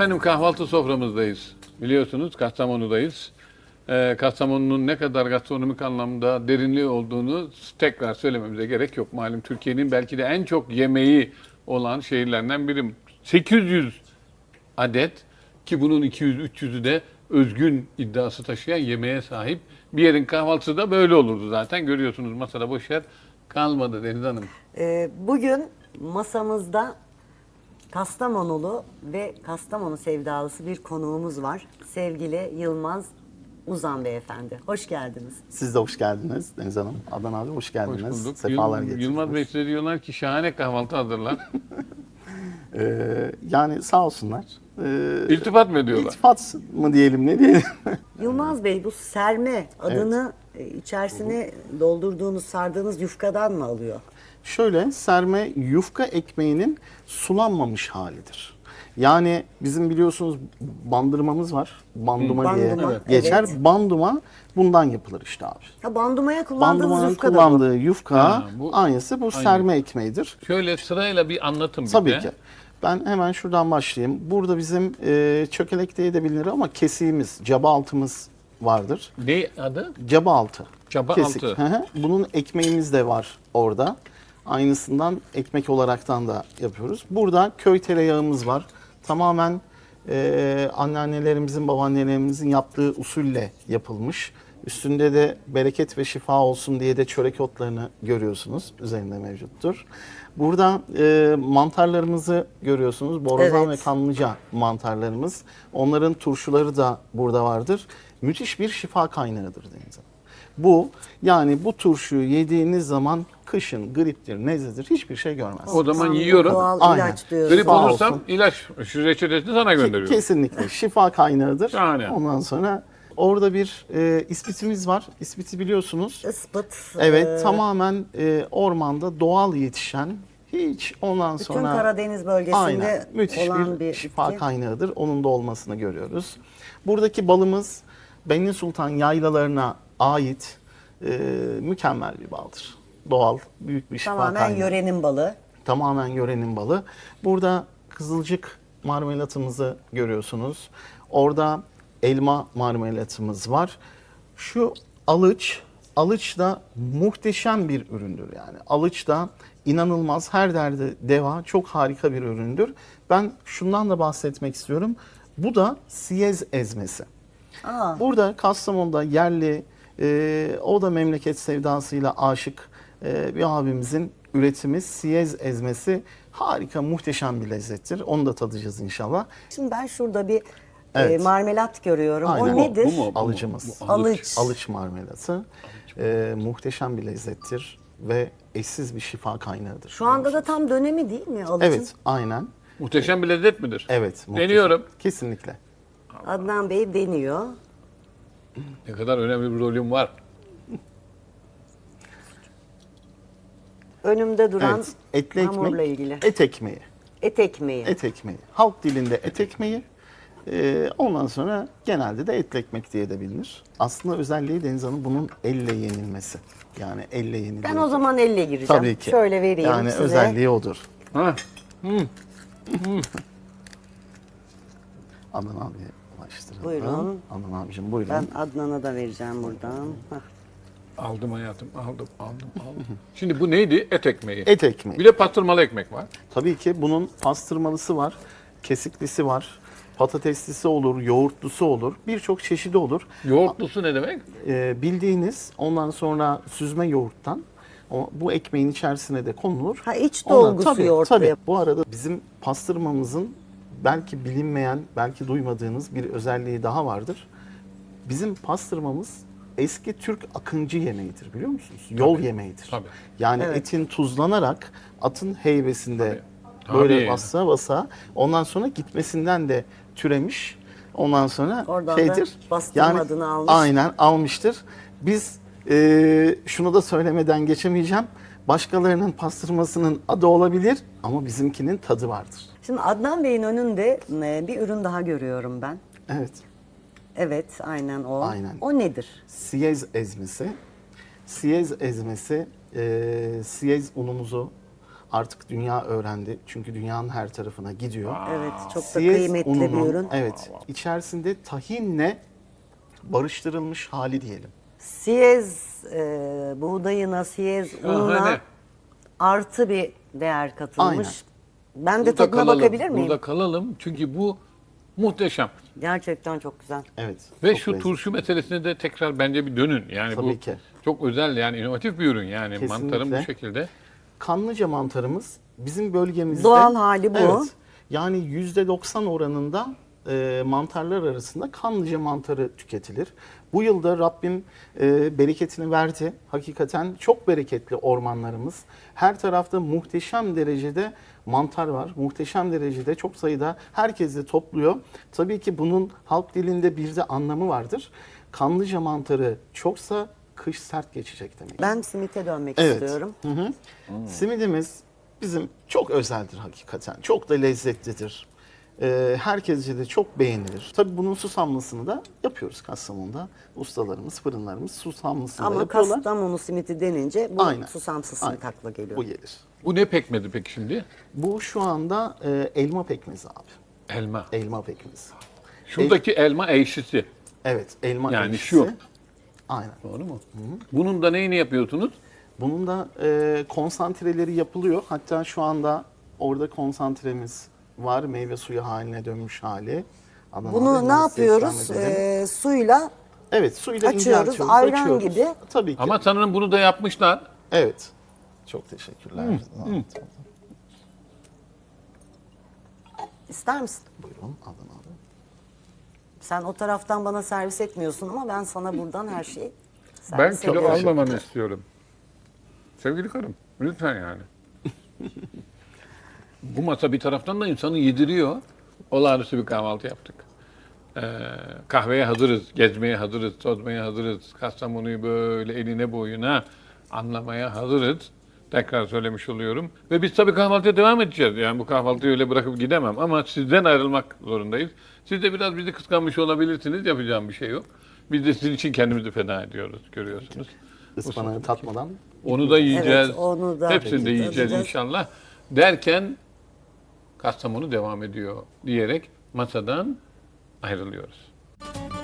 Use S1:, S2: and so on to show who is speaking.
S1: Efendim kahvaltı soframızdayız. Biliyorsunuz Kastamonu'dayız. Kastamonu'nun ne kadar gastronomik anlamda derinliği olduğunu tekrar söylememize gerek yok. Malum Türkiye'nin belki de en çok yemeği olan şehirlerinden biri. 800 adet ki bunun 200-300'ü de özgün iddiası taşıyan yemeğe sahip. Bir yerin kahvaltısı da böyle olurdu zaten. Görüyorsunuz masada boş yer kalmadı Deniz Hanım.
S2: Bugün masamızda Kastamonulu ve Kastamonu sevdalısı bir konuğumuz var. Sevgili Yılmaz Uzan Beyefendi. Hoş geldiniz.
S3: Siz de hoş geldiniz Deniz Hanım. Adnan abi hoş geldiniz.
S1: Hoş bulduk.
S3: Sefalar getirdiniz.
S1: Yılmaz Bey size diyorlar ki şahane kahvaltı hazırlar.
S3: Yani sağ olsunlar.
S1: İltifat mı ediyorlar?
S3: İltifat mı diyelim ne diyelim?
S2: Yılmaz Bey bu serme adını içerisine doldurduğunuz, sardığınız yufkadan mı alıyor?
S3: Şöyle serme yufka ekmeğinin sulanmamış halidir. Yani bizim biliyorsunuz bandırmamız var. Banduma diye
S2: Banduma,
S3: geçer.
S2: evet.
S3: Banduma bundan yapılır işte abi.
S2: Ha, bandumaya kullandığınız
S3: Bandumanın
S2: yufka da bu.
S3: kullandığı yufka
S1: Ha, bu-
S3: aynısı bu serme ekmeğidir.
S1: Şöyle sırayla bir anlatın bize.
S3: Tabii ki. Ben hemen şuradan başlayayım. Burada bizim çökelek diye de bilinir ama kesiğimiz, caba altımız vardır.
S1: Ne adı?
S3: Caba altı.
S1: Caba
S3: Kesik.
S1: altı.
S3: Hı hı. Bunun ekmeğimiz de var orada. Aynısından ekmek olaraktan da yapıyoruz. Burada köy tereyağımız var. Tamamen anneannelerimizin, babaannelerimizin yaptığı usulle yapılmış. Üstünde de bereket ve şifa olsun diye de çörek otlarını görüyorsunuz. Üzerinde mevcuttur. Burada mantarlarımızı görüyorsunuz. Borazan
S2: Evet.
S3: ve kanlıca mantarlarımız. Onların turşuları da burada vardır. Müthiş bir şifa kaynağıdır Deniz Hanım. Bu yani bu turşuyu yediğiniz zaman kışın griptir, nezledir hiçbir şey görmez.
S1: O zaman
S2: Tam
S1: yiyorum.
S2: Doğal
S3: Aynen.
S2: ilaç diyoruz.
S1: Grip
S3: Sağ
S1: olursam
S3: olsun.
S1: ilaç, şu reçetesini sana gönderiyorum.
S3: Kesinlikle şifa kaynağıdır.
S1: Şahane.
S3: Ondan sonra orada bir ispitimiz var. İspiti biliyorsunuz.
S2: Ispıt.
S3: Evet, tamamen ormanda doğal yetişen, hiç ondan
S2: Bütün
S3: sonra
S2: Karadeniz bölgesinde
S3: aynen, müthiş
S2: olan bir
S3: şifa
S2: bitki.
S3: kaynağıdır. Onun da olmasını görüyoruz. Buradaki balımız Benli Sultan yaylalarına ait mükemmel bir baldır. Doğal, büyük bir şifa
S2: Tamamen
S3: kaynağı.
S2: yörenin balı.
S3: Tamamen yörenin balı. Burada kızılcık marmelatımızı görüyorsunuz. Orada elma marmelatımız var. Şu alıç da muhteşem bir üründür yani. Alıç da inanılmaz, her derde deva, çok harika bir üründür. Ben şundan da bahsetmek istiyorum. Bu da siyez ezmesi.
S2: Aa,
S3: Burada Kastamonu'da yerli, o da memleket sevdasıyla aşık bir abimizin üretimi siyez ezmesi harika, muhteşem bir lezzettir. Onu da tadacağız inşallah.
S2: şimdi ben şurada bir
S3: Evet.
S2: marmelat görüyorum.
S3: Aynen.
S2: O nedir?
S1: Bu mu?
S3: Alıcımız.
S1: Bu
S2: Alıç.
S3: Alıç marmelatı. Muhteşem bir lezzettir ve eşsiz bir şifa kaynağıdır.
S2: Şu anda da tam dönemi değil mi alıcın?
S3: Evet, aynen.
S1: Muhteşem bir lezzet midir?
S3: Evet. muhteşem.
S1: Deniyorum.
S3: Kesinlikle.
S2: Adnan Bey deniyor.
S1: Ne kadar önemli bir rolüm var.
S2: Önümde duran
S3: Evet. Etli
S2: hamurla
S3: ekmek,
S2: ilgili.
S3: et ekmeği.
S2: Et ekmeği.
S3: Et ekmeği. Halk dilinde et ekmeği. Ondan sonra genelde de etli ekmek diye de bilinir. Aslında özelliği Deniz Hanım bunun elle yenilmesi. Yani elle yeniliyor.
S2: Ben o zaman elle gireceğim.
S3: Tabii ki.
S2: Şöyle vereyim
S3: yani
S2: size.
S3: özelliği odur.
S1: Ha.
S3: Adnan abiye ulaştıralım.
S2: Buyurun.
S3: Adnan abicim buyurun.
S2: Ben Adnan'a da vereceğim buradan. Hah.
S1: Aldım hayatım, aldım. Şimdi bu neydi? Et ekmeği.
S3: Et ekmeği.
S1: Bir de pastırmalı ekmek var.
S3: Tabii ki bunun pastırmalısı var, kesiklisi var, patateslisi olur, yoğurtlusu olur, birçok çeşidi olur.
S1: Yoğurtlusu ne demek?
S3: Bildiğiniz ondan sonra süzme yoğurttan bu ekmeğin içerisine de konulur.
S2: Ha, iç dolgusu yoğurtlu
S3: Tabii.
S2: yap-
S3: Bu arada bizim pastırmamızın belki bilinmeyen, belki duymadığınız bir özelliği daha vardır. Bizim pastırmamız eski Türk akıncı yemeğidir biliyor musunuz? Yol yemeğidir.
S1: Tabii.
S3: Yani
S2: Evet.
S3: etin tuzlanarak atın heybesinde
S1: Tabii.
S3: böyle
S1: Tabii.
S3: basa basa ondan sonra gitmesinden de türemiş. Ondan sonra
S2: Oradan da
S3: şeydir.
S2: bastırma adını almış.
S3: Aynen almıştır. Biz şunu da söylemeden geçemeyeceğim. Başkalarının pastırmasının adı olabilir ama bizimkinin tadı vardır.
S2: Şimdi Adnan Bey'in önünde bir ürün daha görüyorum ben.
S3: Evet.
S2: Evet, aynen o.
S3: Aynen.
S2: O nedir?
S3: Siyez ezmesi. Siyez ezmesi, siyez unumuzu artık dünya öğrendi. Çünkü dünyanın her tarafına gidiyor.
S2: Evet, çok da
S3: Siyez
S2: kıymetli bir
S3: ununun,
S2: ürün.
S3: evet, içerisinde tahinle barıştırılmış hali diyelim.
S2: Siyez buğdayına, siyez ununa
S1: Şahane.
S2: artı bir değer katılmış.
S3: Aynen.
S2: Ben de
S1: Burada
S2: tadına
S1: kalalım,
S2: bakabilir miyim?
S1: Burada kalalım çünkü bu muhteşem.
S2: Gerçekten çok güzel.
S3: Evet.
S1: Ve
S3: çok
S1: şu
S3: lezzetli.
S1: turşu meselesine de tekrar bence bir dönün. Yani
S3: Tabii
S1: bu
S3: ki.
S1: çok özel, yani inovatif bir ürün yani.
S3: Kesinlikle.
S1: Mantarın bu şekilde.
S3: Kanlıca mantarımız bizim bölgemizde
S2: Doğal hali bu.
S3: Evet. Yani %90 oranında mantarlar arasında kanlıca mantarı tüketilir. Bu yılda Rabbim bereketini verdi. Hakikaten çok bereketli ormanlarımız. Her tarafta muhteşem derecede mantar var. Muhteşem derecede çok sayıda herkes de topluyor. Tabii ki bunun halk dilinde bir de anlamı vardır. Kanlıca mantarı çoksa kış sert geçecek demek.
S2: Ben simite dönmek
S3: Evet.
S2: istiyorum.
S3: Simidimiz bizim çok özeldir hakikaten. Çok da lezzetlidir. Herkesce de çok beğenilir. Tabii bunun susamlısını da yapıyoruz Kastamonu'da. Ustalarımız, fırınlarımız susamlısını da
S2: Ama
S3: yapıyorlar.
S2: Kastamonu simiti denince bu
S3: Aynen.
S2: susamsız
S3: Aynen.
S2: simit akla geliyor.
S3: Bu gelir.
S1: Bu ne pekmedi peki şimdi?
S3: Bu şu anda elma pekmezi abi.
S1: Elma.
S3: Elma pekmezi.
S1: Şuradaki elma ekşisi.
S3: Evet, elma
S1: Yani
S3: ekşisi.
S1: şu.
S3: Aynen.
S1: Doğru mu? Bunun da neyini yapıyorsunuz?
S3: Bunun da konsantreleri yapılıyor. Hatta şu anda orada konsantremiz var. Meyve suyu haline dönmüş hali. Adana abi,
S2: Bunu ne
S3: hemen size
S2: yapıyoruz?
S3: ikram edelim.
S2: Suyla
S3: Evet, suyla
S2: açıyoruz,
S3: inceltiyoruz,
S2: ayran
S3: açıyoruz.
S2: gibi.
S3: Tabii ki.
S1: Ama sanırım bunu da yapmışlar.
S3: Evet. Çok teşekkürler.
S2: ister misin?
S3: Buyurun, alın abi.
S2: Sen o taraftan bana servis etmiyorsun ama ben sana buradan her şeyi
S1: Ben
S2: servis
S1: kilo
S2: ediyorum.
S1: almamanı istiyorum. Sevgili karım, lütfen yani. Bu masa bir taraftan da insanı yediriyor. Olağanüstü bir kahvaltı yaptık. Kahveye hazırız, gezmeye hazırız, tozmaya hazırız. Kastamonu'yu böyle eline boyuna anlamaya hazırız. Tekrar söylemiş oluyorum. Ve biz tabii kahvaltıya devam edeceğiz. Yani bu kahvaltıyı öyle bırakıp gidemem. Ama sizden ayrılmak zorundayız. Siz de biraz bizi kıskanmış olabilirsiniz. Yapacağım bir şey yok. Biz de sizin için kendimizi feda ediyoruz, görüyorsunuz.
S3: Ispanağı tatmadan.
S1: Onu da yiyeceğiz.
S2: Evet, onu da
S1: Hepsini de yiyeceğiz
S2: tadacağız.
S1: inşallah. Derken Kastamonu devam ediyor diyerek masadan ayrılıyoruz.